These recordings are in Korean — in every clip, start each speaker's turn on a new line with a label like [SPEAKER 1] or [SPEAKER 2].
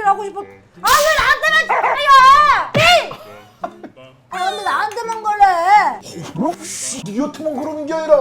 [SPEAKER 1] 하고 싶어. 아 왜 나한테만 그래요? 아 근데 나한테만 그래.
[SPEAKER 2] 그럼 니한테만 그러는 게 아니라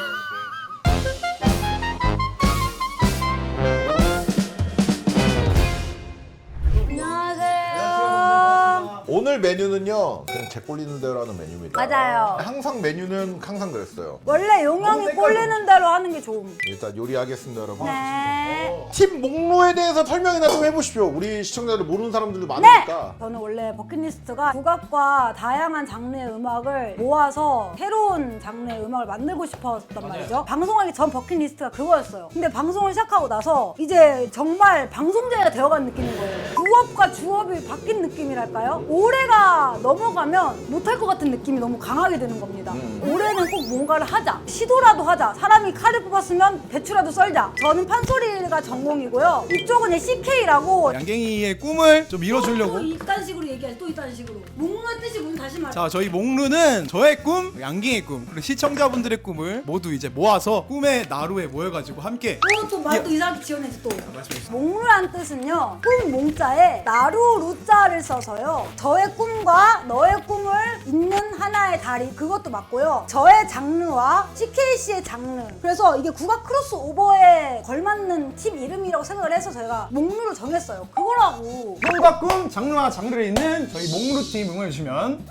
[SPEAKER 1] 안녕하세요.
[SPEAKER 2] 오늘 메뉴는요 그냥 제 꼴리는 대로 하는 메뉴입니다.
[SPEAKER 1] 맞아요.
[SPEAKER 2] 항상 메뉴는 항상 그랬어요.
[SPEAKER 1] 원래 용영이 꼴리는 대로 하는 게 좋음.
[SPEAKER 2] 일단 요리하겠습니다 여러분.
[SPEAKER 1] 네.
[SPEAKER 2] 팀 목록에 대해서 설명이나 좀 해보십시오. 우리 시청자들 모르는 사람들도 많으니까.
[SPEAKER 1] 저는 원래 버킷리스트가 국악과 다양한 장르의 음악을 모아서 새로운 장르의 음악을 만들고 싶었단 말이죠. 방송하기 전 버킷리스트가 그거였어요. 근데 방송을 시작하고 나서 이제 정말 방송자가 되어간 느낌인 거예요. 부업과 주업이 바뀐 느낌이랄까요? 올해가 넘어가면 못할 것 같은 느낌이 너무 강하게 드는 겁니다. 올해는 꼭 뭔가를 하자. 시도라도 하자. 사람이 칼을 뽑았으면 배추라도 썰자. 저는 판소리가 전공이고요. 이쪽은 CK라고
[SPEAKER 3] 양갱이의 꿈을 좀 이뤄주려고.
[SPEAKER 1] 또 이딴 식으로 얘기해. 또 이딴 식으로. 목루의 뜻이 뭔지 다시 말해.
[SPEAKER 3] 자, 저희 목루는 저의 꿈, 양갱의 꿈, 그리고 시청자분들의 꿈을 모두 이제 모아서 꿈의 나루에 모여가지고 함께.
[SPEAKER 1] 또 말도 이상하게 지어내지 또.
[SPEAKER 3] 말씀해주세요.
[SPEAKER 1] 목루란 뜻은요. 꿈 몽자에 나루 루자를 써서요. 저의 꿈과 너의 꿈을 잇는 하나의 다리 그것도 맞고요. 저의 장르와 CKC의 장르. 그래서 이게 국악 크로스오버에 걸맞는 팀 이름이라고 생각을 해서 저희가 목루를 정했어요. 그거라고.
[SPEAKER 3] 꿈과 꿈, 장르와 장르를 잇는 저희 목루팀 응원해주시면.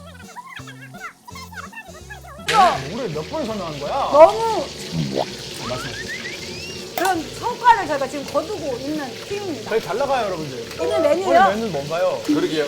[SPEAKER 3] 목루를 몇 번을 설명하는 거야?
[SPEAKER 1] 너무
[SPEAKER 3] 말씀하세요.
[SPEAKER 1] 그런 성과를 저희가 지금 거두고 있는 팀입니다.
[SPEAKER 3] 저희 잘 나가요, 여러분들.
[SPEAKER 1] 오늘
[SPEAKER 3] 오늘
[SPEAKER 1] 메뉴요?
[SPEAKER 3] 메뉴는 뭔가요?
[SPEAKER 2] 그러게요.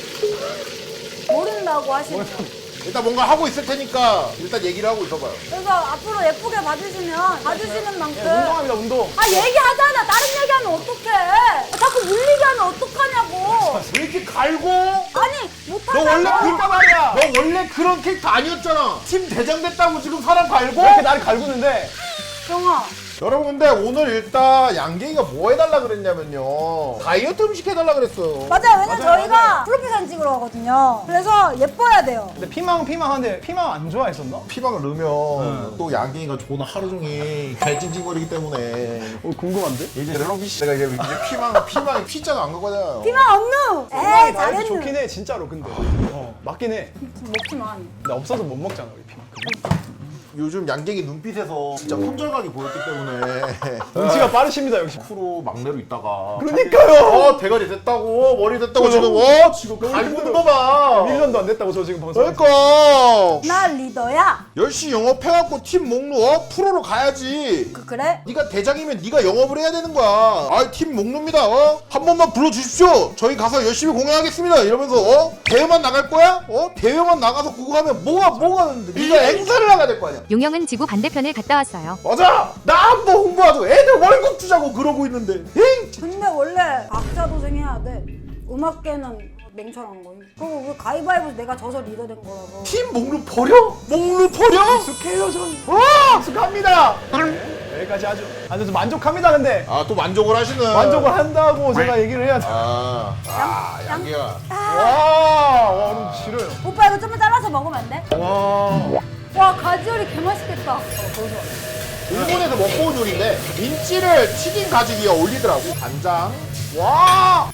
[SPEAKER 1] 모른다고 하시네요.
[SPEAKER 2] 일단 뭔가 하고 있을 테니까 일단 얘기를 하고 있어봐요.
[SPEAKER 1] 그래서 앞으로 예쁘게 봐주시면 봐주시는 만큼
[SPEAKER 3] 운동합니다, 운동.
[SPEAKER 1] 아 얘기하잖아. 다른 얘기하면 어떡해. 자꾸 물리게 하면 어떡하냐고.
[SPEAKER 2] 왜 이렇게 갈고?
[SPEAKER 1] 아니
[SPEAKER 2] 너
[SPEAKER 1] 못하냐고.
[SPEAKER 2] 원래
[SPEAKER 3] 그러니까 말이야.
[SPEAKER 2] 너 원래 그런 캐릭터 아니었잖아. 팀 대장 됐다고 지금 사람 갈고?
[SPEAKER 3] 왜 이렇게 나를 갈구는데?
[SPEAKER 1] 정아
[SPEAKER 2] 여러분 근데 오늘 일단 양갱이가 뭐 해달라 그랬냐면요 다이어트 음식 해달라 그랬어요.
[SPEAKER 1] 맞아요. 왜냐면
[SPEAKER 3] 맞아요,
[SPEAKER 1] 저희가
[SPEAKER 3] 맞아요.
[SPEAKER 1] 프로필 사진 찍으러 가거든요. 그래서 예뻐야 돼요.
[SPEAKER 3] 근데 피망하는데 피망 안 좋아했었나?
[SPEAKER 2] 피방을 넣으면 또 양갱이가 존나 하루 종일 개찡찡거리기 때문에
[SPEAKER 3] 궁금한데?
[SPEAKER 2] 이제 여러분 내가 이제 피망이 피자가 안 가거든요.
[SPEAKER 1] 피망 없누. 에이 잘했누.
[SPEAKER 3] 좋긴 해, 진짜로. 근데 맞긴 해.
[SPEAKER 1] 먹지만.
[SPEAKER 3] 근데 없어서 못 먹잖아, 우리 피망.
[SPEAKER 2] 요즘 양갱이 눈빛에서 진짜 손절각이 보였기 때문에
[SPEAKER 3] 눈치가 빠르십니다, 역시.
[SPEAKER 2] 프로 막내로 있다가
[SPEAKER 3] 그러니까요.
[SPEAKER 2] 대가리 됐다고 머리 됐다고
[SPEAKER 3] 어,
[SPEAKER 2] 지금 지금
[SPEAKER 3] 너무
[SPEAKER 2] 갈구는
[SPEAKER 3] 힘들어.
[SPEAKER 2] 거 봐.
[SPEAKER 3] 1년도 안 됐다고 저 지금 방송.
[SPEAKER 2] 그러니까
[SPEAKER 1] 나 리더야.
[SPEAKER 2] 열심히 영업해갖고 팀 목록 프로로 가야지.
[SPEAKER 1] 그래?
[SPEAKER 2] 네가 대장이면 네가 영업을 해야 되는 거야. 아, 팀 목록입니다. 한 번만 불러주십시오. 저희 가서 열심히 공연하겠습니다. 이러면서 대회만 나갈 거야? 대회만 나가서 그거 하면 뭐가 되는데? 네가 행사를 나가야 될 거 아니야.
[SPEAKER 4] 용영은 지구 반대편을 갔다 왔어요.
[SPEAKER 2] 맞아. 나 한번 홍보하자고. 애들 월급 주자고 그러고 있는데. 에이,
[SPEAKER 1] 근데 원래 각자 도생해야 돼. 음악계는 맹철한 거임. 그리고 왜 가위바위보 내가 져서 리더 된 거라서.
[SPEAKER 2] 팀 목록 버려? 목록 버려?
[SPEAKER 3] 익숙해요, 전. 익숙합니다. 여기까지 아주 만족합니다, 근데.
[SPEAKER 2] 아, 또 만족을 하시는.
[SPEAKER 3] 만족을 한다고 제가 얘기를 해야 돼.
[SPEAKER 2] 양기야.
[SPEAKER 3] 와, 그럼 싫어요.
[SPEAKER 1] 오빠 이거 좀만 잘라서 먹으면 안 돼?
[SPEAKER 3] 와.
[SPEAKER 1] 와 가지오리 개맛있겠다.
[SPEAKER 2] 일본에서 먹고 온 요리인데 민치를 튀긴 가죽 위에 올리더라고. 간장.
[SPEAKER 3] 와.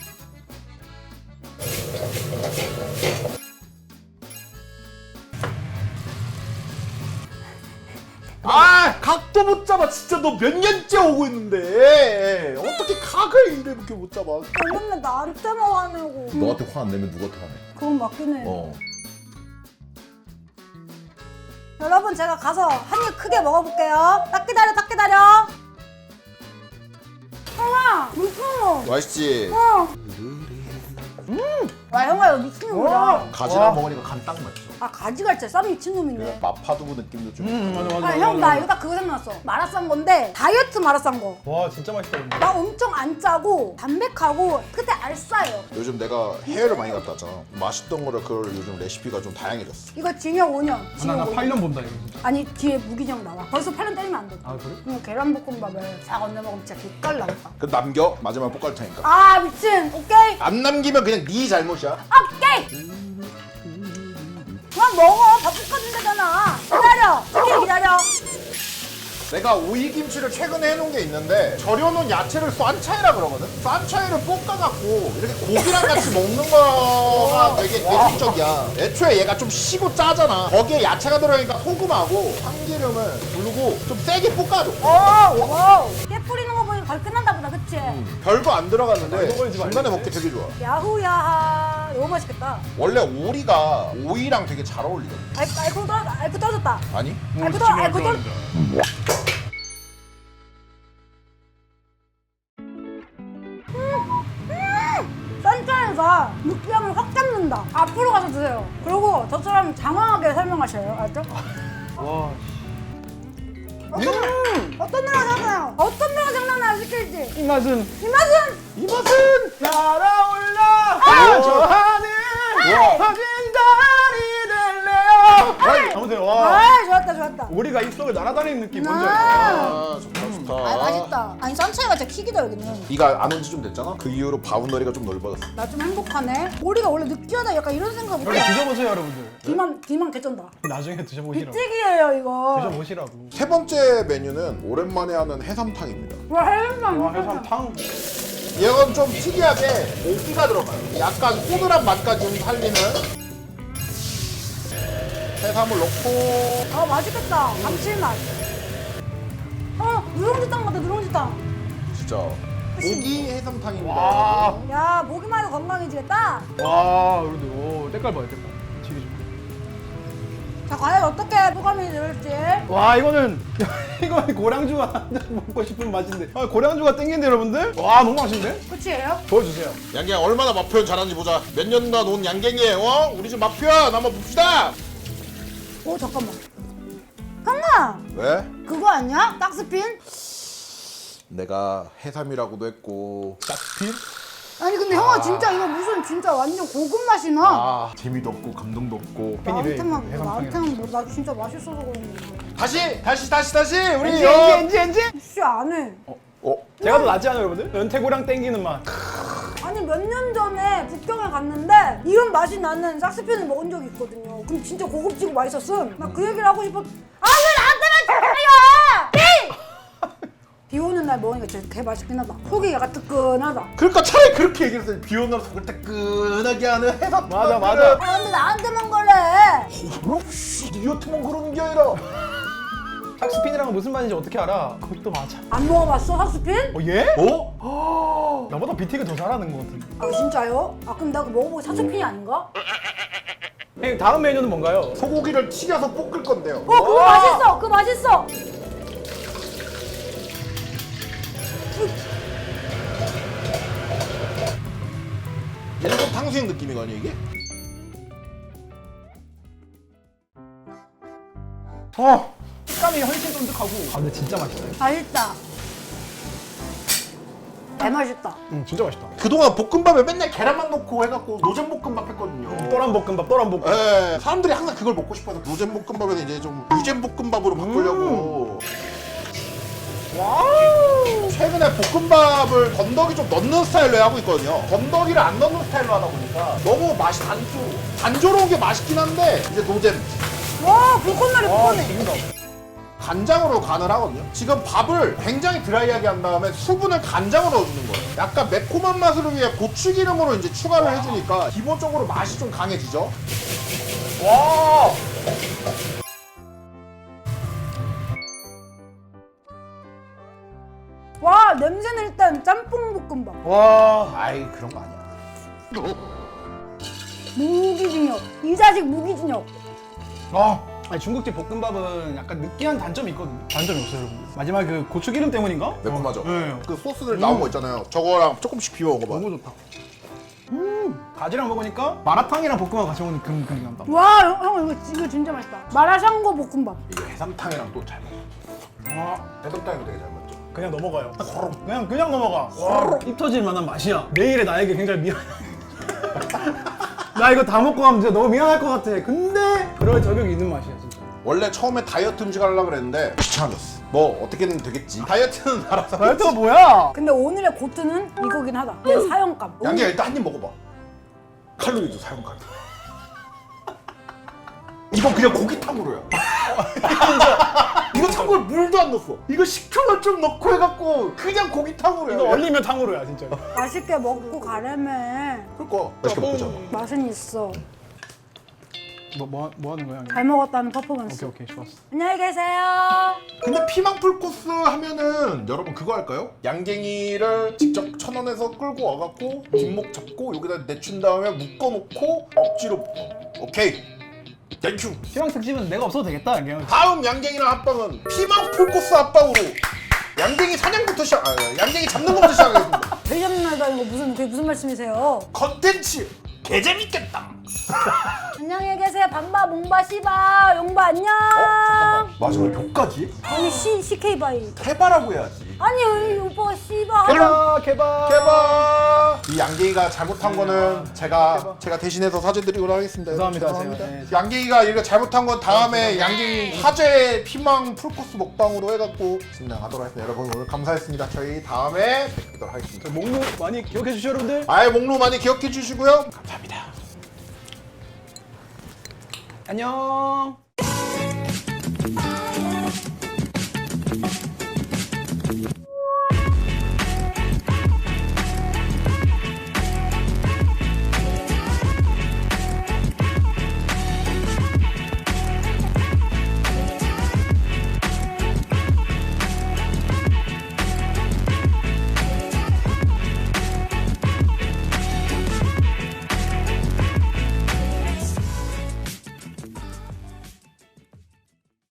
[SPEAKER 2] 아, 각도 못 잡아. 진짜 너 몇 년째 오고 있는데 어떻게 각을 이렇게 못 잡아?
[SPEAKER 1] 맨날 나한테만 화내고.
[SPEAKER 2] 너한테 화 안 내면 누구한테 화내?
[SPEAKER 1] 그건 맞긴 해.
[SPEAKER 2] 어.
[SPEAKER 1] 여러분 제가 가서 한 입 크게 먹어볼게요. 딱 기다려. 형아 미친놈.
[SPEAKER 2] 맛있지?
[SPEAKER 1] 와 형아 이거 미친놈이다.
[SPEAKER 2] 가지랑 먹으니까 간 딱 맞죠.
[SPEAKER 1] 아 가지갈치 쌈 미친놈이네.
[SPEAKER 2] 마파두부 느낌도 좀.
[SPEAKER 3] 맞아.
[SPEAKER 1] 아 형 나 이거 딱 그거 생각났어. 마라싼 건데 다이어트 마라싼 거.
[SPEAKER 3] 와, 진짜 맛있다, 근데.
[SPEAKER 1] 나 엄청 안 짜고 담백하고 끝에 알싸요.
[SPEAKER 2] 요즘 내가 해외를 많이 갔다 왔잖아. 맛있던 거를 그걸 요즘 레시피가 좀 다양해졌어.
[SPEAKER 1] 이거 징역 5년.
[SPEAKER 3] 나 8년 본다, 이거 진짜.
[SPEAKER 1] 아니 뒤에 무기징역 나와. 벌써 8년 때리면 안 돼.
[SPEAKER 3] 아, 그래?
[SPEAKER 1] 이거 계란볶음밥을 싹 얹어 먹으면 진짜 기깔 나겠다.
[SPEAKER 2] 그 남겨 마지막 볶을 테니까.
[SPEAKER 1] 아 미친. 오케이.
[SPEAKER 2] 안 남기면 그냥 네 잘못이야.
[SPEAKER 1] 오케이. 그만 먹어. 밥 볶아준다잖아. 기다려. 오케이 기다려.
[SPEAKER 2] 내가 오이김치를 최근에 해놓은 게 있는데 절여놓은 야채를 싼차이라 그러거든? 싼차이를 볶아갖고 이렇게 고기랑 같이 먹는 거가 되게 대중적이야. 애초에 얘가 좀 시고 짜잖아. 거기에 야채가 들어가니까 소금하고 참기름을 두르고 좀 세게 볶아줘.
[SPEAKER 1] 오! 깨 뿌리는 거 보니까 거의 끝난다 보다, 그치?
[SPEAKER 2] 별거 안 들어갔는데
[SPEAKER 3] 이거 걸지
[SPEAKER 2] 중간에
[SPEAKER 3] 말지.
[SPEAKER 2] 먹기 되게 좋아.
[SPEAKER 1] 야후야하. 너무 맛있겠다.
[SPEAKER 2] 원래 오리가 오이랑 되게 잘 어울리거든.
[SPEAKER 1] 알코 떨어졌다.
[SPEAKER 2] 아니?
[SPEAKER 1] 알코 떨어졌다. 짠짠이가 느끼함을 확 잡는다. 앞으로 가서 드세요. 그리고 저처럼 장황하게 설명하셔요. 알죠?
[SPEAKER 3] 와.
[SPEAKER 1] 어떤 노래가 생각나요? 어떤 노래가 생각나요? 시킬지.
[SPEAKER 3] 이 맛은
[SPEAKER 1] 이 맛은
[SPEAKER 3] 이 맛은 날아올라 좋아하는 확인달이 될래요. 아무튼 와.
[SPEAKER 1] 아, 좋았다.
[SPEAKER 3] 오리가 입속을 날아다니는 느낌 뭔지 알죠?
[SPEAKER 2] 아, 좋다, 좋다.
[SPEAKER 1] 아, 맛있다. 아니, 짠차이가 진짜 킥이다, 여기는.
[SPEAKER 2] 네가 안 온 지 좀 됐잖아? 그 이후로 바운더리가 좀 넓어졌어.
[SPEAKER 1] 나 좀 행복하네. 오리가 원래 느끼하다 약간 이런 생각
[SPEAKER 3] 여기
[SPEAKER 1] 못해.
[SPEAKER 3] 드셔보세요 여러분들.
[SPEAKER 1] 뒤만 개쩐다.
[SPEAKER 3] 나중에 드셔보시라고.
[SPEAKER 1] 빅찍이에요, 이거.
[SPEAKER 3] 드셔보시라고.
[SPEAKER 2] 세 번째 메뉴는 오랜만에 하는 해삼탕입니다.
[SPEAKER 1] 와, 해삼.
[SPEAKER 3] 와 해삼탕.
[SPEAKER 2] 얘건 좀 특이하게 고기가 들어가요. 약간 꼬들한 맛까지 좀 살리는 해삼을 넣고
[SPEAKER 1] 아, 맛있겠다. 감칠맛. 누룽지탕 같아, 누룽지탕.
[SPEAKER 2] 진짜 고기 해삼탕입니다.
[SPEAKER 3] 와.
[SPEAKER 1] 야, 보기만 해도 건강해지겠다.
[SPEAKER 3] 와 여러분들 오 때깔 봐요 때깔. 지리 좀.
[SPEAKER 1] 자, 과연 어떻게 소감이 들을지.
[SPEAKER 3] 와 이거는 이거는 고량주가 한잔 먹고 싶은 맛인데. 아 고량주가 땡긴데 여러분들. 와 너무 맛있는데?
[SPEAKER 1] 끝이에요?
[SPEAKER 3] 보여주세요.
[SPEAKER 2] 양갱 얼마나 맛 표현 잘하는지 보자. 몇 년간 온 양갱이에요. 우리 집 맛 표현 한번 봅시다.
[SPEAKER 1] 오, 잠깐만. 형아,
[SPEAKER 2] 왜?
[SPEAKER 1] 그거 아니야? 딱스핀?
[SPEAKER 2] 내가 해삼이라고도 했고
[SPEAKER 3] 짝필?
[SPEAKER 1] 아니, 근데 형아, 진짜 이거 무슨 진짜 완전 고급 맛이 나.
[SPEAKER 2] 아 재미도 없고 감동도 없고.
[SPEAKER 1] 나한테만 뭐, 나 진짜 맛있어서 그러는 거야.
[SPEAKER 2] 다시 우리
[SPEAKER 3] 엔지.
[SPEAKER 1] 혹시 안 해?
[SPEAKER 3] 제가 더 낫지 않아요 여러분들? 연태고량 땡기는 맛.
[SPEAKER 1] 아니, 몇 년 전에 북경에 갔는데 이런 맛이 나는 싹스핀을 먹은 적이 있거든요. 그럼 진짜 고급지고 맛있었음. 나 그 얘기를 하고 싶어. 아, 왜 나한테만 저래요! 비 오는 날 먹으니까 진짜 개 맛있긴 하다. 속이 약간 뜨끈하다.
[SPEAKER 2] 그러니까 차라리 그렇게 얘기했어요. 비 오는 날 속을 뜨끈하게 하는 해삼.
[SPEAKER 3] 맞아.
[SPEAKER 1] 아, 근데 나한테만 그래.
[SPEAKER 2] 니어트만 그러는 게 아니라.
[SPEAKER 3] 짝스핀이랑 무슨 맛인지 어떻게 알아? 그것도 맞아.
[SPEAKER 1] 안 먹어봤어, 싹스핀?
[SPEAKER 3] 예?
[SPEAKER 2] 어?
[SPEAKER 3] 나보다 BT가 더 잘하는 것 같은데.
[SPEAKER 1] 아, 진짜요? 아, 그럼 나 그거 먹어보고 싹스핀이 아닌가?
[SPEAKER 3] 형님 다음 메뉴는 뭔가요?
[SPEAKER 2] 소고기를 튀겨서 볶을 건데요.
[SPEAKER 1] 그거 맛있어! 그거 맛있어!
[SPEAKER 2] 일본 탕수육 느낌이거든요 이게?
[SPEAKER 3] 식감이 훨씬 쫀득하고. 아 근데 진짜 맛있어요.
[SPEAKER 1] 맛있다. 개맛있다.
[SPEAKER 3] 진짜 맛있다.
[SPEAKER 2] 그동안 볶음밥에 맨날 계란만 넣고 해갖고 노잼볶음밥 했거든요.
[SPEAKER 3] 또란볶음밥.
[SPEAKER 2] 예, 사람들이 항상 그걸 먹고 싶어서 노잼볶음밥에서 이제 좀 유잼볶음밥으로 바꾸려고.
[SPEAKER 3] 와우.
[SPEAKER 2] 최근에 볶음밥을 건더기 좀 넣는 스타일로 하고 있거든요. 건더기를 안 넣는 스타일로 하다 보니까 너무 맛이 단조로운 게 맛있긴 한데 이제 노잼.
[SPEAKER 1] 와, 불꽃놀이 불꽃놀이.
[SPEAKER 3] 지금다.
[SPEAKER 2] 간장으로 간을 하거든요. 지금 밥을 굉장히 드라이하게 한 다음에 수분을 간장으로 넣어주는 거예요. 약간 매콤한 맛을 위해 고추기름으로 이제 추가를 해주니까 기본적으로 맛이 좀 강해지죠.
[SPEAKER 3] 와.
[SPEAKER 1] 와, 냄새는 일단 짬뽕 볶음밥.
[SPEAKER 3] 와.
[SPEAKER 2] 아이 그런 거 아니야.
[SPEAKER 1] 무기징역. 이 자식 무기징역.
[SPEAKER 3] 아니 중국집 볶음밥은 약간 느끼한 단점이 있거든요. 단점이 없어요, 여러분. 마지막 그 고추기름 때문인가?
[SPEAKER 2] 매콤하죠.
[SPEAKER 3] 네.
[SPEAKER 2] 그 소스들 나온 거 있잖아요. 저거랑 조금씩 비벼 먹어봐.
[SPEAKER 3] 너무 좋다. 가지랑 먹으니까 마라탕이랑 볶음밥 같이 먹는 그런 느낌이 난다.
[SPEAKER 1] 와, 형 이거 진짜 맛있다. 마라샹궈 볶음밥.
[SPEAKER 2] 이게 해삼탕이랑 또 잘 먹어.
[SPEAKER 3] 와.
[SPEAKER 2] 해삼탕이도 되게 잘 먹죠.
[SPEAKER 3] 그냥 넘어가요. 그냥 넘어가. 입 터질 만한 맛이야. 내일의 나에게 굉장히 미안. 나 이거 다 먹고 가면 진짜 너무 미안할 것 같아. 근데 그럴 저격이 있는 맛이야, 진짜.
[SPEAKER 2] 원래 처음에 다이어트 음식 하려고 그랬는데 귀찮아졌어. 뭐 어떻게든 되겠지. 다이어트는 알아서.
[SPEAKER 3] 다이어트가 뭐야?
[SPEAKER 1] 근데 오늘의 고트는 이거긴 하다. 내 사형감.
[SPEAKER 2] 양갱 일단 한 입 먹어봐. 칼로리도 사용감. 이건 그냥 고기탕으로야. 이거 참고로 물도 안 넣었어. 이거 식초만 좀 넣고 해갖고 그냥 고기탕으로
[SPEAKER 5] 이거 얼리면 탕후루야 진짜.
[SPEAKER 1] 맛있게 먹고 가려면
[SPEAKER 2] 그러니까 맛있게 먹자.
[SPEAKER 1] 맛은 있어.
[SPEAKER 5] 뭐 하는 거야?
[SPEAKER 1] 잘 먹었다는 퍼포먼스.
[SPEAKER 5] 오케이 좋았어.
[SPEAKER 1] 안녕히 계세요.
[SPEAKER 2] 근데 피망풀 코스 하면은 여러분 그거 할까요? 양갱이를 직접 천원에서 끌고 와갖고 뒷목 잡고 여기다 내춘 다음에 묶어놓고 억지로 오케이 땡큐.
[SPEAKER 5] 희망 특집은 내가 없어도 되겠다 그냥.
[SPEAKER 2] 다음 양갱이랑 합방은 피망풀 코스 합방으로 양갱이 사냥부터 시작. 양갱이 잡는 것부터 시작하겠습니다.
[SPEAKER 1] 대전날다 이거 그게 무슨 말씀이세요?
[SPEAKER 2] 컨텐츠 개재밌겠다.
[SPEAKER 1] 안녕히 계세요. 반바, 몽바, 씨바, 용바 안녕.
[SPEAKER 2] 마지막에 벽까지?
[SPEAKER 1] 아니 CK 바이.
[SPEAKER 2] 해바라고 해야지.
[SPEAKER 1] 아니 오빠가 씨바.
[SPEAKER 5] 개발.
[SPEAKER 2] 개바. 이 양갱이가 잘못한 거는 제가 대신해서 사죄드리도록 하겠습니다.
[SPEAKER 5] 죄송합니다. 네.
[SPEAKER 2] 양갱이가 이거 잘못한 건 다음에 양갱이 화제 피망 풀코스 먹방으로 해갖고 진행하도록 하겠습니다. 여러분 오늘 감사했습니다. 저희 다음에 뵙도록 하겠습니다.
[SPEAKER 5] 목록 많이 기억해 주시죠 여러분들.
[SPEAKER 2] 아예 목록 많이 기억해 주시고요. 감사합니다.
[SPEAKER 5] 안녕.